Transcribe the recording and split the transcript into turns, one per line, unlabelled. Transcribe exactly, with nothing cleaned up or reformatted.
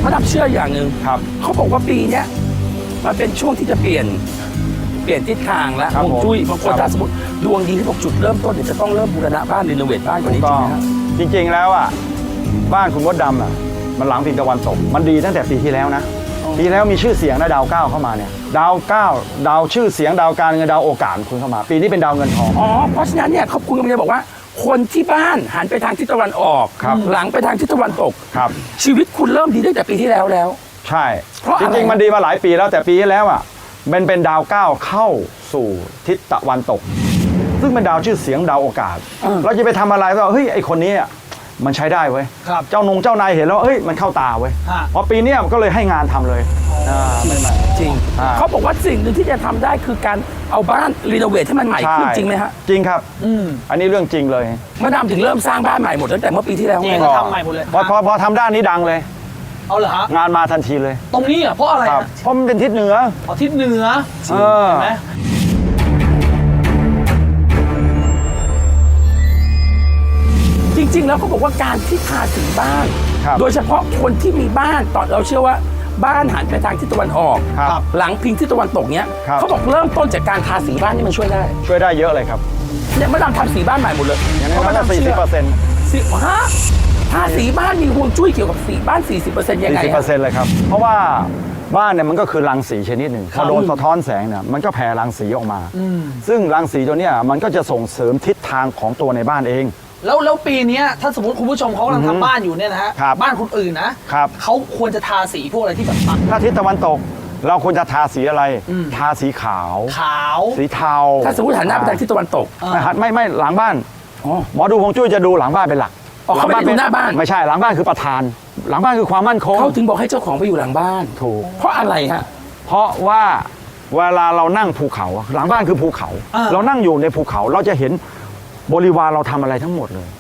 มาดามเชื่ออย่างหนึ่ง
ครับ
เขาบอกว่าปีเนี้ยมันเป็นช่วงที่จะเปลี่ยนเปลี่ยนทิศทางแล้ว
ครับ
ฮวงจุ้ยบางคน
ครับ
ถ้าสมมติดวงดีที่บอกจุดเริ่มต้นเนี่ยจะต้องเริ่มบูรณะบ้านรีโนเวทบ้านก่อนนี้จ
ก็
ริงไหมฮะ
จริงๆแล้วอ่ะบ้านคุณมดดำอ่ะมันหลังพิงตะวันตกมันดีตั้งแต่ปีที่แล้วนะปีที่แล้วมีชื่อเสียงนะดาวเก้าเข้ามาเนี่ยดาวเก้าดาวชื่อเสียงดาวการเงินดาวโอกาสคุณเข้ามา ปีนี้เป็นดาวเงินทอง
อ๋อเพราะฉะนั้นเนี่ยเขาคุณกำลังจะบอกว่า คนที่บ้านหันไปทางทิศตะวันออก
ครับ
หลังไปทางทิศตะวันตก
ครับ
ชีวิตคุณเริ่มดีตั้งแต่ปีที่แล้วแล้ว
ใช่
เพราะ
จ
อะไร
ริงๆมันดีมาหลายปีแล้วแต่ปีที่แล้วอ่ะมันเป็นดาวเก้าเข้าสู่ทิศตะวันตก ซึ่งเป็นดาวชื่อเสียงดาวโอกาส เราจะไปทำอะไรก็เฮ้ยไอคนนี้อ่ะมันใช้ได้เว้ย
ครับ
เจ้านงเจ้านายเห็นแล้วเฮ้ยมันเข้าตาเว้ย
ฮะ
พอปีเนี้ยก็เลยให้งานทำเลยอ่าไม่ไม่
จริง
อ่า
เขาบอกว่าสิ่งหนึ่งที่จะทำได้คือการเอาบ้านรีโนเวทให้มันใหม่ขึ้นจริงไหมฮะ
จริงครับ
อืม
อันนี้เรื่องจริงเลย
มาดามถึงเริ่มสร้างบ้านใหม่หมดตั้งแต่เมื่อปีที่แล้ว
จริ
ไง
ง เขาทำใหม่หมดเลย
พอพอพอทำด้านนี้ดังเลย
เอาเหรอฮะ
งานมาทันทีเลย
ตรงนี้เหรอเพราะอะไร
ครับ
อะ
เพราะมันเป็นทิศเหนือ
อ๋อทิศเหนือ
เออ
เห็นไหม
จริง ๆ แล้วเขาบอกว่าการที่ทาสีบ้าน
ครับ
โดยเฉพาะคนที่มีบ้านตอนเราเชื่อว่าบ้านหันไปทางทิศตะวันออก
ครับ
หลังพิงทิศตะวันตกเนี้ย
ครับ
เขาบอกเริ่มต้นจากการทาสีบ้านนี่มันช่วยได้
ช่วยได้เยอะเลยครับ
เนี่ยมาดามทำสีบ้านใหม่หมดเลย
อย่าง
เพ
นั้น
ราะมา
ก็
ดาม
สี่สิ
เชื่
บเปอร์เซ็นต์
สิฮะทาสีบ้านมีฮวงจุ้ยเกี่ยวกับสีบ้าน สี่สิบเปอร์เซ็นต์ ยังไง
สี่สิบเปอร์
อะ
เซ็นต์เลยครับ เพราะว่าบ้านเนี่ยมันก็คือรังสีชนิดหนึ่งพอโดนสะท้อนแสงเนี่ยมันก็แผ่รังสีออกมา ซึ่งรังสีตัวเนี้ยมันก็จะส่งเสริมทิศทางของตัวในบ้านเอง
แล้วแล้วปีเนี้ยถ้าสมมติคุณผู้ชมเขากำลังทำบ้านอยู่เนี่ยนะฮะ
ครับ
บ้านคนอื่นนะครับ เขาควรจะทาสีพวกอะไรที่แบบปัด
ถ้าทิศตะวันตก เราควรจะทาสีอะไร ทาสีขาว
ขาว
สีเทา
ถ้าสมมติหันหน้าไปทางทิศตะวันตก
อ่า
ไม่หันไม่ไม่หลังบ้าน
อ๋อ
หมอดูฮวงจุ้ยจะดูหลังบ้านเป็นหลัก
อ๋อเขาไม่ได้ดูหน้าบ้าน
ไม่ใช่หลังบ้านคือประธาน หลังบ้านคือความมั่นคง
เขาถึงบอกให้เจ้าของไปอยู่หลังบ้าน
ถูก
เพราะอะไรฮะ
เพราะว่าเวลาเรานั่งภูเขาหลังบ้านคือภูเขา
อ่า
เรานั่งอยู่ในภูเขาเราจะเห็นบริวารเราทำอะไรทั้งหมดเลย